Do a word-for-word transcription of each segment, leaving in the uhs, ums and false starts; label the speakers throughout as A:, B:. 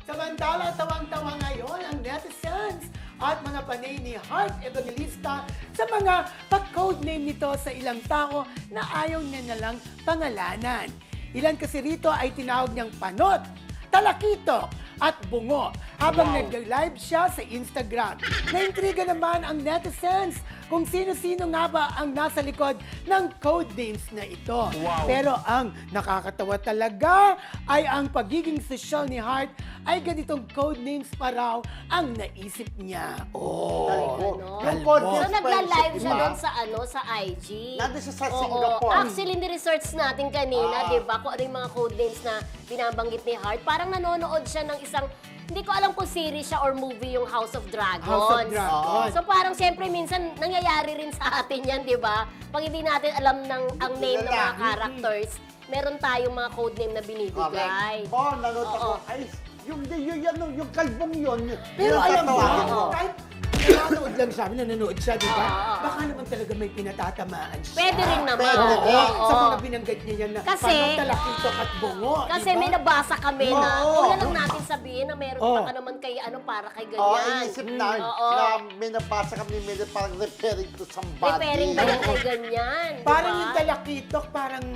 A: Samantala, tawang-tawa ngayon ang netizens at mga panay ni Heart Evangelista sa mga pag-codename nito sa ilang tao na ayaw niya nalang pangalanan. Ilan kasi rito ay tinawag niyang panot, talakitok at bungo habang
B: Wow.
A: nag-live siya sa Instagram. Naintriga naman ang netizens kung sino-sino nga ba ang nasa likod ng codenames na ito.
B: Wow.
A: Pero ang nakakatawa talaga ay ang pagiging social ni Heart ay ganitong codenames pa raw ang naisip niya. Oh,
B: Kalbo.
C: Ganon.
B: Yung
A: Kalbo.
B: codenames
C: So, nagla-live
B: friendship,
C: siya
B: di ba?
C: doon sa ano sa I G.
B: Nandun siya sa
C: Oo.
B: Singapore.
C: Actually, ni-research natin kanina,
B: Ah.
C: di ba, kung ano yung mga codenames na binabanggit ni Heart. Parang nanonood siya ng isang, hindi ko alam kung series siya or movie yung House of Dragons.
A: House of Dragons.
C: So parang siyempre minsan nangyayari rin sa atin yan, di ba? Pag hindi natin alam ng ang name ng mga
B: Kilala.
C: characters, meron tayong mga codename na binibigay.
B: Correct. Oo, nanood ako.
C: Oo.
B: Ay, yung, yung, yung, yung, yung kalbong yun.
A: Pero
B: yung
A: alam mo,
B: tatawagin mo.
A: kahit nanonood lang siya, nanonood siya, di ba?
C: Oo.
A: Baka naman talaga may pinatatamaan siya.
C: Pwede rin naman.
B: Pwede
A: Oo,
B: rin.
A: sa
C: Oo.
A: mga binanggit niya yan na
C: Kasi-
A: panot, talakitok at bungo.
C: Kasi
A: di ba?
C: may nabasa kami na,
A: Oo.
C: huwag na lang natin sabihin na meron
A: Oo.
C: baka naman kay ano para kay
B: Oo,
C: ganyan.
B: inisip na,
C: Oo.
B: na may nabasa kami ni Mildred parang referring to somebody.
C: Repairing ba yan kay ganyan? di
A: Parang
C: ba?
A: yung talakitok, parang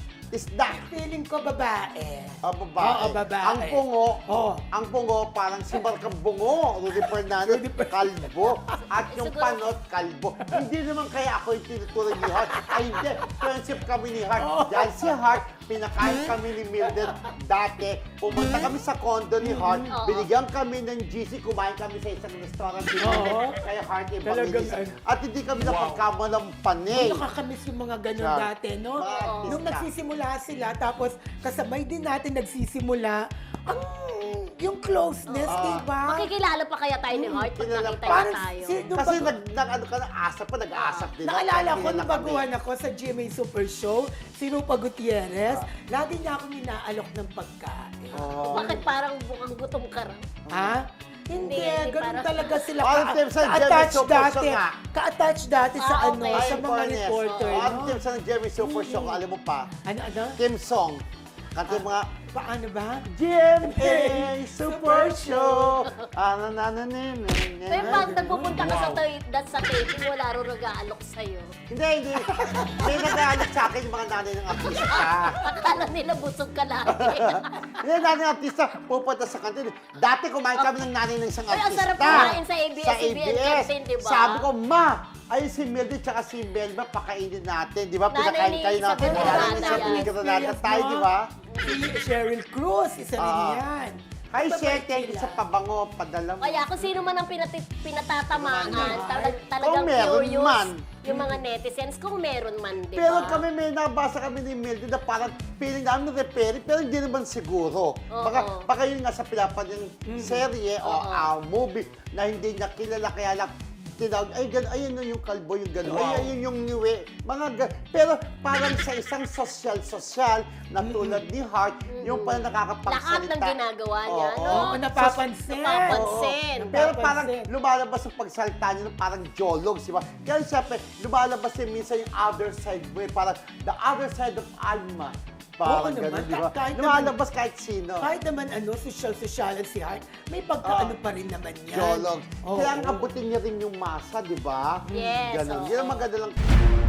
B: Isda.
A: feeling ko babae.
B: Ah, babae.
A: Oo, babae.
B: Ang bungo,
A: Oo.
B: ang bungo parang si Marcang Bungo, Rudy Fernandez,
A: Rudy Fer-
B: kalbo. At yung
C: Siguro-
B: panot, kalbo. Hindi naman kaya ako yung tinuturo ni Hart. Ay, hindi. Friendship kami ni Hart.
A: Oo.
B: Dahil si Hart, pinakain kami ni Mildred dati. Pumunta kami sa condo ni Hart.
C: Oo.
B: Binigyan kami ng G C. Kumain kami sa isang restaurant ni
A: Oo.
B: Mildred. Kaya Hart Evangelista.
A: Talagang-
B: At hindi kami napagkama ng panay.
A: Nakakamiss yung mga ganun
B: Siya.
A: dati, no?
B: Mga artista.
A: Nung nagsisimula sila, tapos kasabay din natin nagsisimula, ang yung closeness,
B: Oo.
A: di ba?
C: Makikilala pa kaya tayo ni Heart pag
B: Kilala
C: nakita
B: pa.
C: niya
A: Parang
C: tayo?
A: si- nung
B: Kasi
A: bago-
B: nag, nag, ano ka na, asap pa, nag-aasap din.
A: Naalala ko,
B: Kilala
A: nung
B: kami.
A: baguhan ako sa G M A Super Show, si Rupa Gutierrez, lagi niya akong inaalok ng pagkain.
B: Oo.
C: Bakit parang mukhang gutom ka raw?
A: Ha? Hindi,
C: Hindi, hindi
A: ganun
C: parang-
A: talaga sila.
B: Parang
A: ka-
B: team sa Jeremy
A: ka-attach
B: Super Show
A: dati.
B: nga.
A: Ka-attach dati sa
C: Ah,
A: ano,
C: okay.
A: sa
B: Ay,
A: mga
B: fairness.
A: reporter,
B: Oo, Ang
A: no?
B: team sa Jeremy Super Show, alam mo pa,
A: Ano, ano?
B: team song. Kanta yung mga
A: Paano ba?
B: G M A Super Show. Ano na na na na
C: Pero pag nagpupunta ka sa, tay- that sa taping, wala rin nag-aalok sa'yo.
B: Hindi, hindi. May nag-aalit sa akin yung mga nanay ng artista.
C: Akala nila busog ka lagi.
B: Hindi, nanay ng artista, pupunta sa kantin. Dati kumain kami ng nanay ng isang
C: Ay, ang
B: artista.
C: sarap kumain sa A B S
B: Sa
C: C B N canteen, di ba?
B: Sabi ko, ma, ay si Mildred tsaka si Melba, pakainin natin. Di ba?
C: Nanay
B: Pinakain
C: ni
B: kayo natin.
C: Isabel
B: Nanay ni
C: Granada
B: Isabel
C: yan.
B: Granada tayo, di ba?
A: Si Cheryl Cruz, isa rin
B: Ah.
A: yan.
B: Hi,
A: Mabait
B: Sher, thank you
A: sila.
B: sa pabango. Padala mo.
C: Kaya kung sino man ang pinati- pinatatamaan,
A: Ano,
C: talag-
B: Kung
C: talagang
B: meron
C: curious
B: man.
C: yung mga netizens, kung meron man, di ba?
B: Pero kami may nabasa kami ni Mildred na parang feeling namin repairing, pero hindi naman siguro.
C: Oo.
B: Baka, baka yun nga sa pinapanood yung serye o
C: Oo.
B: ah, movie na hindi niya kilala, kaya lang tinawag, ay, gan, ayun na yung kalbo, yung gano'n,
A: Wow.
B: ay, ayun yung niwe, mga gan- pero parang sa isang social-social na tulad ni Hart, yung parang nakakapagsalita.
C: Lahat ng ginagawa niya,
B: Oo.
C: no?
A: Oo, napapansin.
C: Napapansin.
A: Oo.
B: Pero parang
A: Napapansin.
B: lumalabas ang pagsalita niya na parang jolog, di ba? Kaya siyempre, lumalabas din minsan yung other side mo, eh, parang the other side of Alma.
A: Oo
B: Parang
A: naman,
B: ganun, di ba?
A: kahit naman-
B: Lumalabas kahit sino.
A: Kahit naman ano, social-social si Heart, may pagkaano pa rin naman yan.
B: Jolog.
A: Oo.
B: Kaya ang abutin niya rin yung masa, di ba?
C: Yes,
B: Ganun.
C: oo.
B: Yan ang maganda lang.